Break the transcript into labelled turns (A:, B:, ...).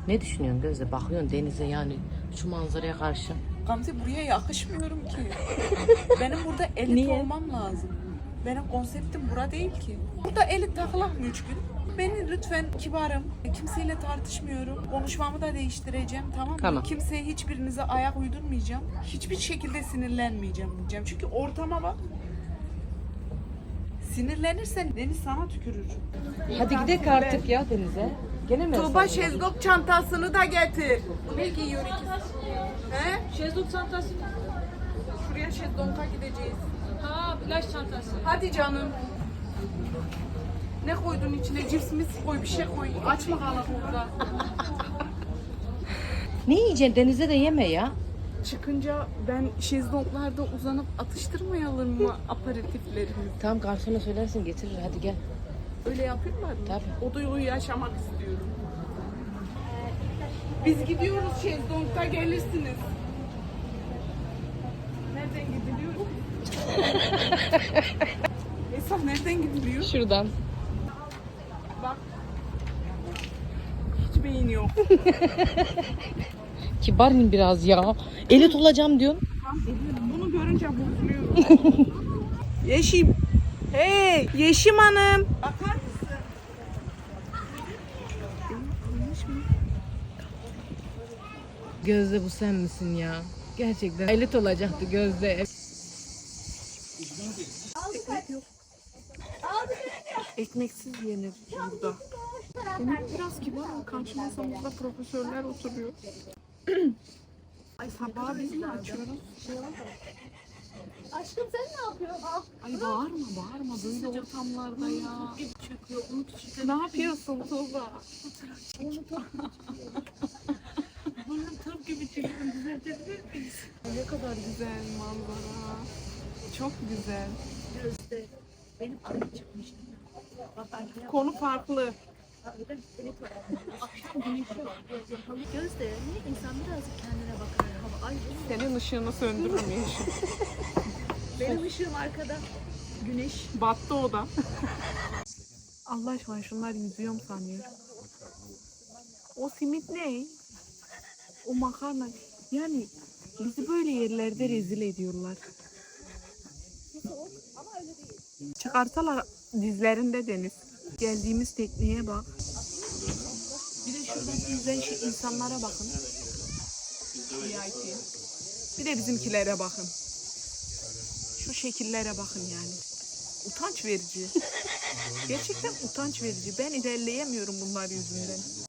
A: Ne düşünüyorsun Gözde? Bakıyorsun denize yani şu manzaraya karşı.
B: Gamze buraya yakışmıyorum ki. Benim burada elit
A: Niye?
B: olmam lazım. Benim konseptim bura değil ki. Burada elit takılak mı 3 gün? Beni lütfen kibarım. Kimseyle tartışmıyorum. Konuşmamı da değiştireceğim, tamam mı?
A: Tamam.
B: Kimseye hiçbirinize ayak uydurmayacağım. Hiçbir şekilde sinirlenmeyeceğim diyeceğim. Çünkü ortama bak. Sinirlenirsen deniz sana tükürür.
A: Hadi gidelim artık ya denize. Gene mi?
B: Tuğba şezlong çantasını da getir. Ne giyiyor ikisi? He?
C: Şezlong çantası.
B: Şuraya şezlonga gideceğiz.
C: Ha, plaj çantası.
B: Hadi canım. Ne koydun içine? Cips mis koy, bir şey koy. Aç mı kalak orada?
A: Ne yiyeceksin? Denize de yeme ya.
B: Çıkınca ben şezlonglarda uzanıp atıştırmayalım mı aperatiflerimizi?
A: Tamam garsona söylersin getirir hadi gel.
B: Öyle yapıyorlar mı?
A: Tabii.
B: O duyguyu yaşamak istiyorum. Biz gidiyoruz şezlongda gelirsiniz. Nereden gidiliyor? Esaf nereden gidiliyor?
A: Şuradan.
B: Bak. Hiç beyin yok.
A: Kibarın biraz ya. Elit olacağım diyorsun.
B: Bunu görünce bozuluyorum. Yeşim. Hey, Yeşim Hanım. Bakar mısın?
A: Gözde bu sen misin ya? Gerçekten elit olacaktı Gözde.
B: Ekmek yok. Ekmeksiz yenir burada. Benim biraz kibar ol. Karşı masamızda profesörler oturuyor. Ay sabah biz mi açıyoruz?
C: Aşkım sen ne yapıyorsun? Al.
B: Ay bağırma bağırma böyle ortamlarda ya.
C: Gibi çöküyor. Onu küçük.
B: Ne yapıyorsun Tuğba?
C: Burnum tırp gibi çıkıyor. Düzeltebilir miyiz?
B: Ne kadar güzel manzara. Çok güzel.
C: Gözde. Benim arım çıkmış. Bak arkaya.
B: Konu farklı.
C: Akşam güneş yok. Gözde niye insan birazcık kendine bakar hava? Ay
B: Senin ışığını söndürürüm Yeşim.
C: benim ışığım arkada. Güneş.
B: Battı o da. Allah aşkına şunlar yüzüyor mu sanıyor? O simit ne? O makarna. Yani bizi böyle yerlerde rezil ediyorlar. Çıkarsalar dizlerinde deniz. Geldiğimiz tekneye bak. Bir de şuradan izleyen insanlara bakın. VIP. Bir de bizimkilere bakın. Şu şekillere bakın yani. Utanç verici. Gerçekten utanç verici. Ben ilerleyemiyorum bunlar yüzünden.